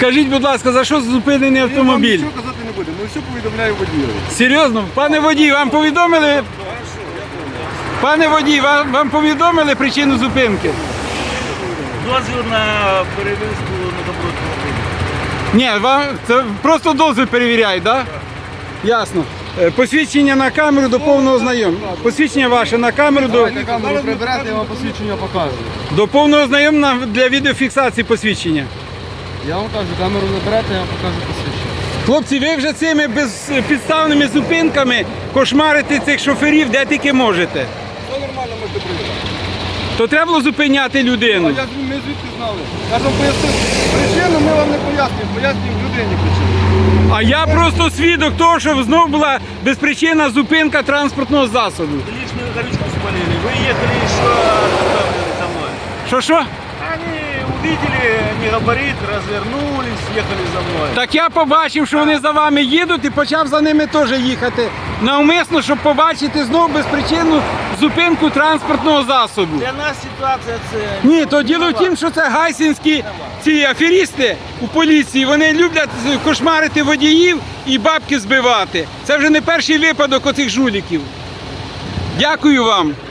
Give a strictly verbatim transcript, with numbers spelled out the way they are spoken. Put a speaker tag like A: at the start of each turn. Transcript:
A: Скажіть, будь ласка, за що зупинений автомобіль?
B: Нічого казати не будемо, ми все повідомляємо водію.
A: Серйозно? Пане водій, вам повідомили? Пане водій, вам, вам повідомили причину зупинки?
C: Дозвіл на перевізку на добротну.
A: Ні, вам це просто дозвіл перевіряють, так? Да? Ясно. Е, Посвідчення на камеру до повного знайомства. Посвідчення ваше на камеру до,
B: Давайте камеру прибирати, я вам посвідчення покажу.
A: до повного знайомства для відеофіксації посвідчення.
B: Я вам кажу, камеру наберете, я вам покажу посвідчення.
A: Хлопці, ви вже цими безпідставними зупинками кошмарите цих шоферів де тільки можете.
B: Все нормально, можете прибирати.
A: То треба було зупиняти людину.
B: Я, ми звідки знали. Я ж вам пояснив причину, ми вам не пояснюємо, пояснюємо людині причину.
A: А я просто свідок того, що знову була безпричинна зупинка транспортного засобу.
C: Личную горючку спалили. Вы ехали еще останавливали за мной.
A: Що що?
C: Они увидели не габарит, развернулись, ехали за мной.
A: Так я побачив, що вони за вами їдуть і почав за ними теж їхати. Навмисно, щоб побачити знову безпричинну зупинку транспортного засобу.
C: Для нас ситуация це...
A: Ні, то діло в тім, що це гайсінські ці аферісти у поліції, вони люблять кошмарити водіїв і бабки збивати. Це вже не перший випадок оцих жуліків. Дякую вам.